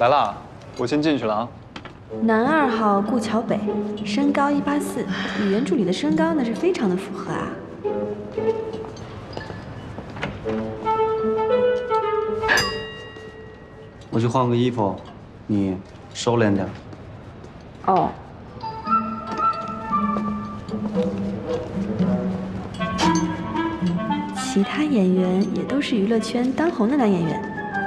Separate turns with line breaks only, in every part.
来啦，我先进去了啊。
男2号顾桥北，身高184，与原助理的身高那是非常的符合啊。
我去换个衣服，你收敛点。
哦。其他演员也都是娱乐圈当红的男演员。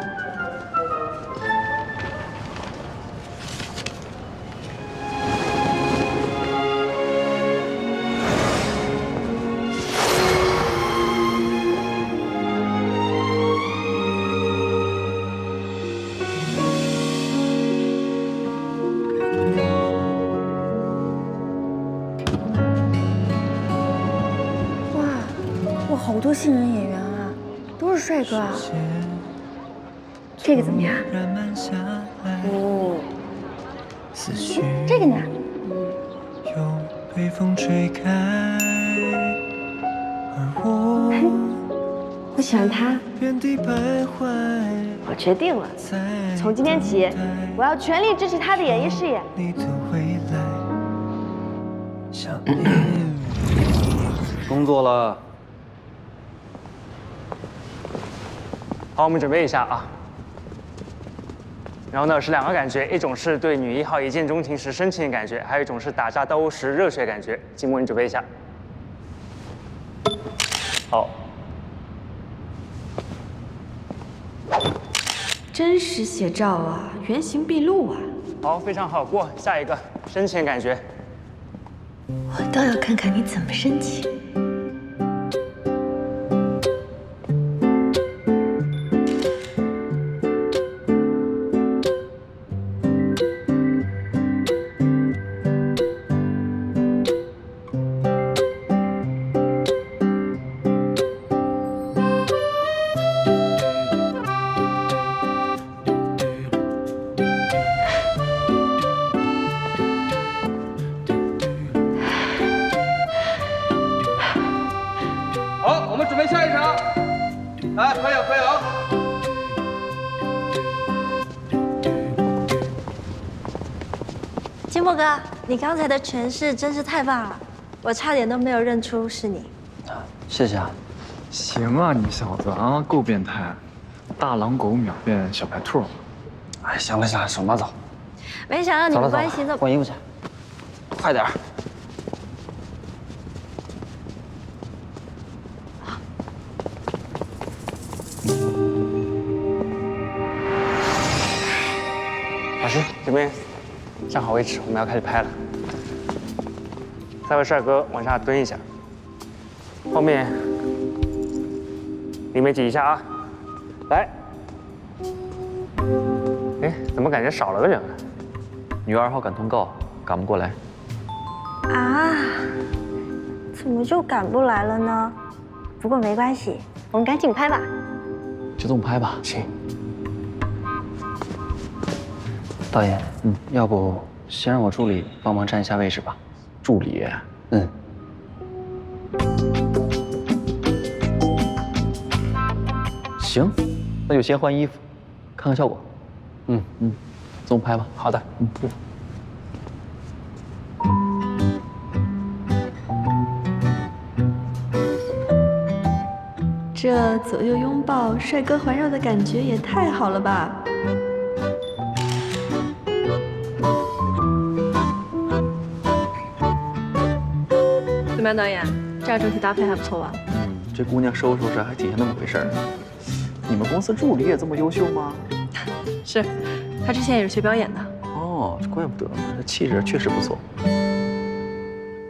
好多新人演员啊，都是帅哥啊。这个怎么样？哦，这个呢？我喜欢他。我决定了，从今天起，我要全力支持他的演艺事业。
工作了。
好，我们准备一下啊。然后呢是2个感觉，一种是对女1号一见钟情时深情的感觉，还有一种是打架斗殴时热血感觉。静默，你准备一下。好。
真实写照啊，原形毕露啊。
好，非常好，过下一个深情感觉。
我倒要看看你怎么深情。
好，我们准备下一场。来，合影合影。
金墨哥，你刚才的诠释真是太棒了，我差点都没有认出是你。
谢谢啊。
行啊，你小子啊，够变态，大狼狗秒变小白兔。
哎，行了行了，手马走。
没想到你们关系这么……
换衣服去，快点儿。
老师，这边站好位置，我们要开始拍了。3位帅哥往下蹲一下，后面里面挤一下啊！来，哎，怎么感觉少了个人啊？
女2号赶通告，赶不过来。
啊？怎么就赶不来了呢？不过没关系，我们赶紧拍吧。
就这么拍吧。
行。
导演，要不先让我助理帮忙占一下位置吧。助理，行，那就先换衣服，看看效果。这么拍吧。
好的。
这左右拥抱、帅哥环绕的感觉也太好了吧！
怎么样，导演？这样整体搭配还不错吧？
这姑娘收拾收拾还挺像那么回事儿。你们公司助理也这么优秀吗？
是，她之前也是学表演的。
哦，怪不得，这气质确实不错。